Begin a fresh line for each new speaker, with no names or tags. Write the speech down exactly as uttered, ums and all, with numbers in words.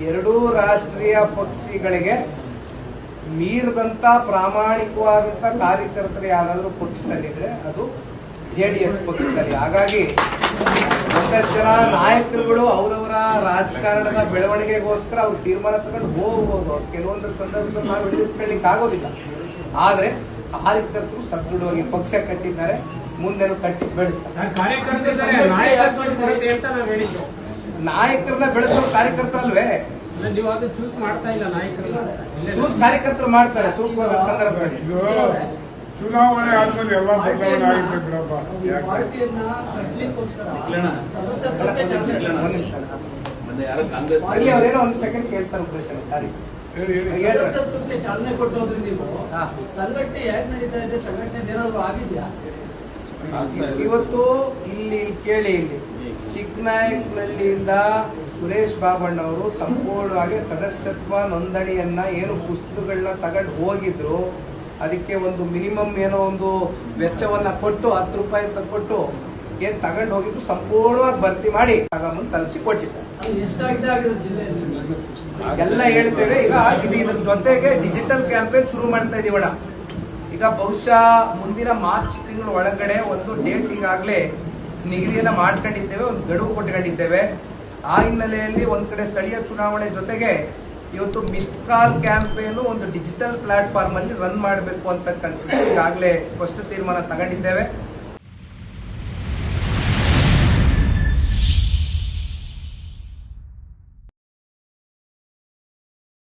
ಎರಡೂ ರಾಷ್ಟ್ರೀಯ ಪಕ್ಷಗಳಿಗೆ ಮೀರಿದಂತ ಪ್ರಾಮಾಣಿಕವಾದಂತ ಕಾರ್ಯಕರ್ತರು ಯಾರಾದರೂ ಪಕ್ಷದಲ್ಲಿದ್ರೆ ಅದು ಜೆಡಿಎಸ್ ಪಕ್ಷದಲ್ಲಿ. ಹಾಗಾಗಿ ಒಂದಷ್ಟು ಜನ ನಾಯಕರುಗಳು ಅವರವರ ರಾಜಕಾರಣದ ಬೆಳವಣಿಗೆಗೋಸ್ಕರ ಅವ್ರು ತೀರ್ಮಾನ ತಗೊಂಡು ಹೋಗ್ಬೋದು. ಅವ್ರು ಕೆಲವೊಂದು ಸಂದರ್ಭದಲ್ಲಿ ನಾವು ಹಿಡಿದುಕೊಳ್ಳಿಕ್ಕೆ ಆಗೋದಿಲ್ಲ. ಆದ್ರೆ ಕಾರ್ಯಕರ್ತರು ಸದೃಢವಾಗಿ ಪಕ್ಷ ಕಟ್ಟಿದ್ದಾರೆ, ಮುಂದೆನೂ ಕಟ್ಟಿ ಬೆಳೆಸ್ತಾರೆ. ನಾಯಕರನ್ನ ಬೆಳೆಸೋ ಕಾರ್ಯಕರ್ತರಲ್ವೇ ಚೂಸ್ ಕಾರ್ಯಕರ್ತರು ಮಾಡ್ತಾರೆ ಸೂಕ್ತವಾದ ಸಂದರ್ಭದಲ್ಲಿ.
ಚುನಾವಣೆ ಆದ್ಮೇಲೆ ಎಲ್ಲ ಬದಲಾವಣೆ ಆಗುತ್ತೆ ಬಿಡಪ್ಪ.
ಅವ್ರೇನೋ ಒಂದು ಸೆಕೆಂಡ್ ಕೇಳ್ತಾರೆ ಪ್ರಶ್ನೆ. ಸಾರಿ
ಚಾಲನೆ ಕೊಟ್ಟೋದ್ರಿ ನೀವು ಸಂಘಟನೆ ಹೇಗೆ ನಡೀತಾ ಇದೆ? ಸಂಘಟನೆ ಏನಾದ್ರು ಆಗಿದ್ಯಾ?
ಇವತ್ತು ಇಲ್ಲಿ ಕೇಳಿ, ಇಲ್ಲಿ ಚಿಕ್ಕನಾಯಕನಹಳ್ಳಿಯಿಂದ ಸುರೇಶ್ ಬಾಬಣ್ಣವರು ಸಂಪೂರ್ಣವಾಗಿ ಸದಸ್ಯತ್ವ ನೋಂದಣಿಯನ್ನ ಏನು ಪುಸ್ತಕಗಳನ್ನ ತಗೊಂಡು ಹೋಗಿದ್ರು, ಅದಕ್ಕೆ ಒಂದು ಮಿನಿಮಮ್ ಏನೋ ಒಂದು ವೆಚ್ಚವನ್ನ ಕೊಟ್ಟು ಹತ್ತು ರೂಪಾಯಿ ಅಂತ ಕೊಟ್ಟು ಏನ್ ತಗೊಂಡು ಹೋಗಿದ್ರು ಸಂಪೂರ್ಣವಾಗಿ ಭರ್ತಿ ಮಾಡಿ ತಗೊಂಬಂದು ತಲುಪಿಸಿ ಕೊಟ್ಟಿದ್ದಾರೆ. ಎಲ್ಲ ಹೇಳ್ತೇವೆ. ಈಗ ಇದು ಇದ್ರ ಜೊತೆಗೆ ಡಿಜಿಟಲ್ ಕ್ಯಾಂಪೇನ್ ಶುರು ಮಾಡ್ತಾ ಇದೀವಣ್ಣ. ಈಗ ಬಹುಶಃ ಮುಂದಿನ ಮಾರ್ಚ್ ತಿಂಗಳ ಒಳಗಡೆ ಒಂದು ಡೇಟ್ ಈಗಾಗಲೇ ನಿಗದಿಯನ್ನ ಮಾಡ್ಕೊಂಡಿದ್ದೇವೆ, ಒಂದು ಗಡುವು ಕೊಟ್ಕೊಂಡಿದ್ದೇವೆ. ಆ ಹಿನ್ನೆಲೆಯಲ್ಲಿ ಒಂದ್ ಕಡೆ ಸ್ಥಳೀಯ ಚುನಾವಣೆ ಜೊತೆಗೆ ಇವತ್ತು ಮಿಸ್ಡ್ ಕಾಲ್ ಕ್ಯಾಂಪೇನ್ ಒಂದು ಡಿಜಿಟಲ್ ಪ್ಲಾಟ್ಫಾರ್ಮ್ ಅಲ್ಲಿ ರನ್ ಮಾಡಬೇಕು ಅಂತಕ್ಕಂಥದ್ದು ಈಗಾಗಲೇ ಸ್ಪಷ್ಟ ತೀರ್ಮಾನ ತಗೊಂಡಿದ್ದೇವೆ.